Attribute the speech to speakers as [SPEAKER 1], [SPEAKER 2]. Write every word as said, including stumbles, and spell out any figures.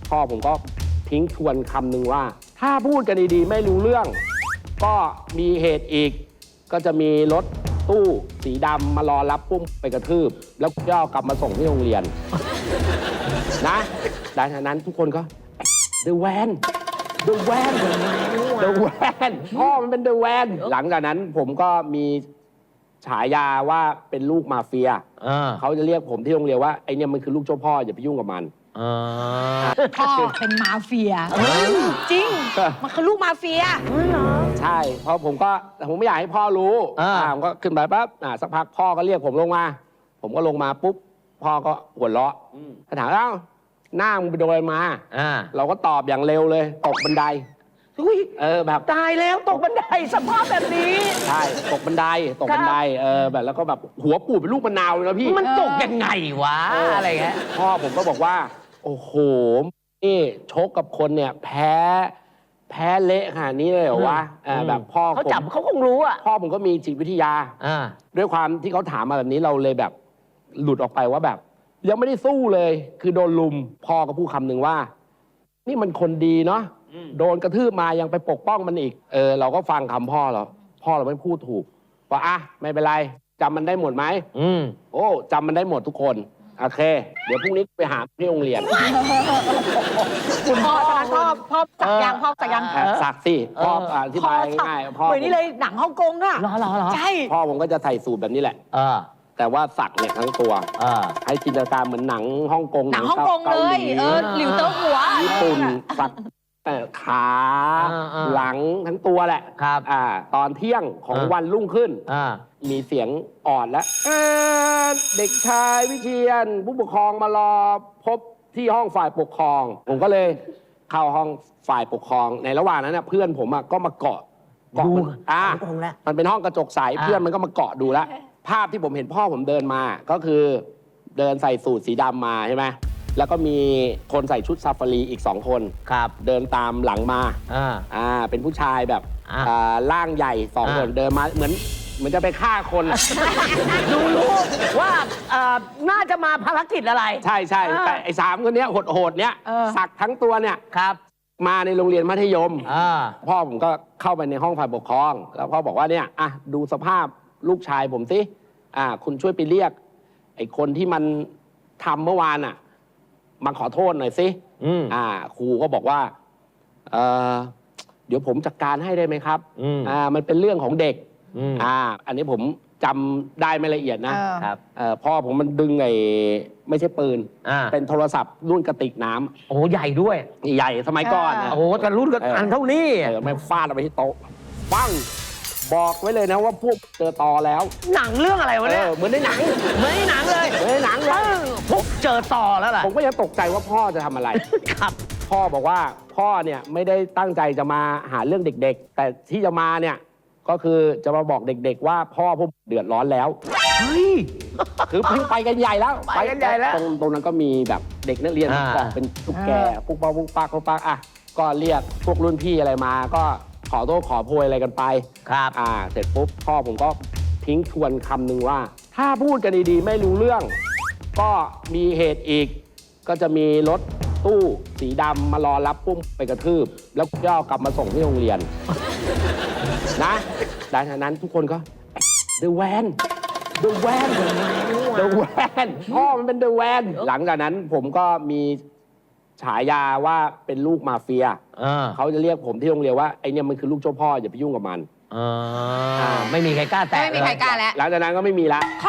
[SPEAKER 1] พ่อผมก็ทิ้งทวนคำหนึ่งว่า ถ้าพูดกันดีๆไม่รู้เรื่อง ก็มีเหตุอีก ก็จะมีรถตู้สีดำมารอรับปุ้มไปกระทืบ แล้วย่อกลับมาส่งที่โรงเรียน นะดังนั้นทุกคนก็ The Van The Van The Van พ่อมันเป็น The Van หลังจากนั้นผมก็มีฉายาว่าเป็นลูกมาเฟีย เขาจะเรียกผมที่โรงเรียนว่าไอเนี่ยมันคือลูกเจ้าพ่ออย่าไปยุ่งกับมัน
[SPEAKER 2] พ่อเป็นมาเฟียจริงมันคือลูกมาเฟีย
[SPEAKER 1] ใช่เพราะผมก็ผมไม่อยากให้พ่อรู้ผมก็ขึ้นไปปั๊บสักพักพ่อก็เรียกผมลงมา ผมก็ลงมาปุ๊บพ่อก็หัวเราะถามเอ้าหน้ามึงไปโดนอะไรมาเราก็ตอบอย่างเร็วเลยตกบันไดเออแบบ
[SPEAKER 3] ตายแล้วตกบันไดสภาพแบบนี้
[SPEAKER 1] ใช่ตกบันไดตกบันไดเออแบบแล้วก็แบบหัวปูดเป็นลูกมะนาวเลยนะพี่
[SPEAKER 3] มันตกยังไงวะอะไรเงี้ย
[SPEAKER 1] พ่อผมก็บอกว่าโอ้โหนี่ชกกับคนเนี่ยแพ้แพ้เละขนาดนี้เลยเหรอวะแบบพ่อ
[SPEAKER 3] เขาจับเขาคงรู้อ่ะ
[SPEAKER 1] พ่อผมก็มีจิตวิทยาด้วยความที่เขาถามมาแบบนี้เราเลยแบบหลุดออกไปว่าแบบยังไม่ได้สู้เลยคือโดนลุมพ่อก็พูดคำหนึ่งว่านี่มันคนดีเนาะโดนกระทืบมายังไปปกป้องมันอีกเออเราก็ฟังคำพ่อเราพ่อเราไม่พูดถูกว่าอ่ะไม่เป็นไรจำมันได้หมดไหมอืมโอ้จำมันได้หมดทุกคนโอเคเดี๋ยวพรุ่งนี้ไปหาที่โรงเรียน
[SPEAKER 2] คุณพ่อพ่อพ่อสักยังพ่อสักยัง
[SPEAKER 1] สักสิพ่ออธิบายง่ายๆพ่อ
[SPEAKER 2] เหมือนนี่เลยหนังฮ่องกงอ่ะ
[SPEAKER 3] หรอหรอหรอ
[SPEAKER 2] ใช่
[SPEAKER 1] พ่อผมก็จะใส่สูทแบบนี้แหละแต่ว่าสักเนี่ยทั้งตัวให้จินตนาการเหมือนหนังฮ่องกง
[SPEAKER 2] หนังฮ่องกงเลยเออหลิวเต้าหัว
[SPEAKER 1] ญี่ปุ่นสักขาหลังทั้งตัวแหละ
[SPEAKER 3] ครับ
[SPEAKER 1] อ่าตอนเที่ยงของวันรุ่งขึ้นมีเสียงอ่อนแล้วเด็กชายวิเชียรผู้ปกครองมารอพบที่ห้องฝ่ายปกครองผมก็เลยเข้าห้องฝ่ายปกครองในระหว่างนั้นเพื่อนผมก็มาเกาะเกาะอ่ามันเป็นห้องกระจกใสเพื่อนมันก็มาเกาะดูแล้วภาพที่ผมเห็นพ่อผมเดินมาก็คือเดินใส่สูทสีดำมาใช่ไหมแล้วก็มีคนใส่ชุดซาฟารีอีกสองคน
[SPEAKER 3] ครับ
[SPEAKER 1] เดินตามหลังมาอ่าอ่าเป็นผู้ชายแบบอ่าร่างใหญ่สองคนเดินมาเหมือนเหมือนจะไปฆ่าคน
[SPEAKER 3] ดูรู้ว่าน่าจะมาภารกิจอะไร
[SPEAKER 1] ใช่ใช่แต่ไอ้สามคนเนี้ยโหดๆเนี้ยสักทั้งตัวเนี่ย
[SPEAKER 3] ครับ
[SPEAKER 1] มาในโรงเรียนมัธยมพ่อผมก็เข้าไปในห้องฝ่ายปกครองแล้วพ่อบอกว่าเนี่ยอ่ะดูสภาพลูกชายผมสิอ่าคุณช่วยไปเรียกไอ้คนที่มันทำเมื่อวานอ่ะมาขอโทษหน่อยสิอ่าครูก็บอกว่าเออเดี๋ยวผมจัดการให้ได้ไหมครับอ่ามันเป็นเรื่องของเด็กอ่าอันนี้ผมจำได้ไม่ละเอียดนะครับพ่อผมมันดึงไอ้ไม่ใช่ปืนเป็นโทรศัพท์รุ่นกระติกน้ำ
[SPEAKER 3] โอ้ใหญ่ด้วย
[SPEAKER 1] ใหญ่สมัยก่อน
[SPEAKER 3] โอ้แต่รุ่นก็อันเท่านี้
[SPEAKER 1] ไม่ฟาดไปที่โต๊ะปังบอกไว้เลยนะว่าพวกเจอตอแล้ว
[SPEAKER 3] หนังเรื่องอะไรวะเนี่ย
[SPEAKER 1] เหมือนในหนัง
[SPEAKER 3] เหมือนในหนังเลย
[SPEAKER 1] เหมือนในหนังเลย
[SPEAKER 3] พวกเจอตอแล้วล่ะ
[SPEAKER 1] ผมก็ยังตกใจว่าพ่อจะทำอะไร
[SPEAKER 3] ครับ
[SPEAKER 1] พ่อบอกว่าพ่อเนี่ยไม่ได้ตั้งใจจะมาหาเรื่องเด็กๆแต่ที่จะมาเนี่ยก็คือจะมาบอกเด็กๆว่าพ่อพวกเดือดร้อนแล้ว
[SPEAKER 3] เฮ้ย
[SPEAKER 1] คือเพิ่งไปกันใหญ่แล้ว
[SPEAKER 3] ไปกันใหญ่แล้ว
[SPEAKER 1] ตรงตรงนั้นก็มีแบบเด็กนักเรียนเกาะเป็นตุ๊กแกปุ๊กปักปุ๊กปักปุ๊กปักอ่ะก็เรียกพวกรุ่นพี่อะไรมาก็ขอโทษขอโพยอะไรกันไป
[SPEAKER 3] ครับ
[SPEAKER 1] อ่าเสร็จปุ๊บพ่อผมก็ทิ้งทวนคำหนึ่งว่า ถ้าพูดกันดีๆไม่รู้เรื่อง ก็มีเหตุอีก ก็จะมีรถตู้สีดำมารอรับปุ้มไปกระทืบ แล้วย่อกลับมาส่งที่โรงเรียน นะดังนั้นทุกคนก็ The Van The Van The Van พ่อมันเป็น The Van หลังจากนั้นผมก็มีฉายาว่าเป็นลูกมาเฟียเขาจะเรียกผมที่โรงเรียนว่าไอเนี่ยมันคือลูกเจ้าพ่ออย่าไปยุ่งกับมัน
[SPEAKER 3] ไม่มีใครกล้าแตะ
[SPEAKER 2] ไม่มีใครกล้าแล้ว
[SPEAKER 1] หลังจากนั้นก็ไม่มีละ